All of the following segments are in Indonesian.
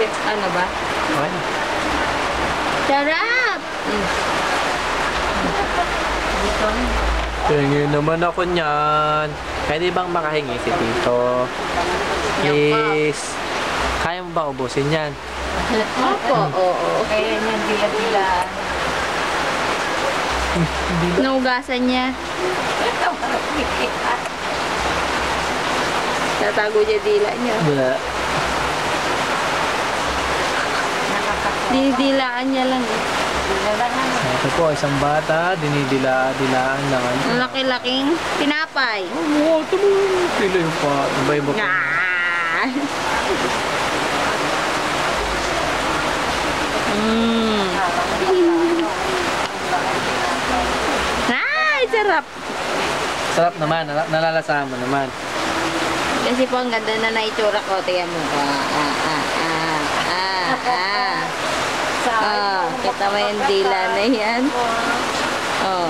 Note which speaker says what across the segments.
Speaker 1: Ano ba?
Speaker 2: Okay.
Speaker 1: Sarap!
Speaker 2: Tingin naman ako niyan. Pwede bang makahingi si Tito? Please. Kaya mo ba ubusin yan?
Speaker 1: Opo, oo.
Speaker 3: Kaya niya dila-dila.
Speaker 1: Naugasan niya. Tatago niya dila niya.
Speaker 2: Wala.
Speaker 1: Dinidilaan niya lang eh.
Speaker 2: Ito po, isang bata, dinidila-dilaan lang.
Speaker 1: Ang laki-laking tinapay.
Speaker 2: Oo, ito mo. Pila yung pa. Iba-iba pa.
Speaker 1: Ah! Mm. Ay, sarap!
Speaker 2: Sarap naman, nalalasahan mo naman.
Speaker 1: Kasi po ang ganda na naitsura ko. Tingnan mo ko. Kita mo yung dila na yan. Oh.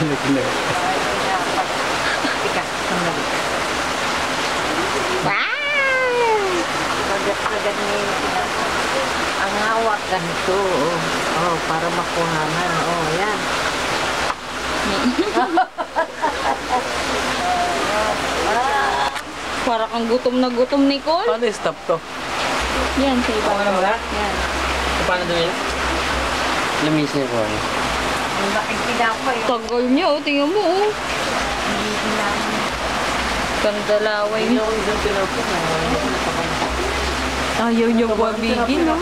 Speaker 1: Wow!
Speaker 3: Agad-agad niya ang hawak ganito. Oh, para makuhanan. Oh, yan.
Speaker 1: Para kang gutom na gutom, Nicole.
Speaker 2: Paano i-stop to?
Speaker 1: Yan, sa iba.
Speaker 2: Okay na ba?
Speaker 1: Yan.
Speaker 2: Paano doon yun? Lamis niya ko.
Speaker 3: Ang laking pinapay.
Speaker 1: Tagal niya, oh. Tingnan mo, oh. Kandalaway niya. Ayaw niya wabigin, no?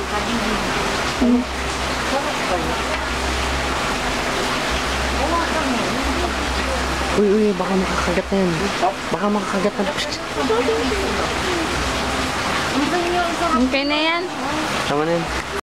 Speaker 2: Uy, baka makakagat na yan. Baka makakagat na.
Speaker 1: Okay na yan.
Speaker 2: Tama na yan.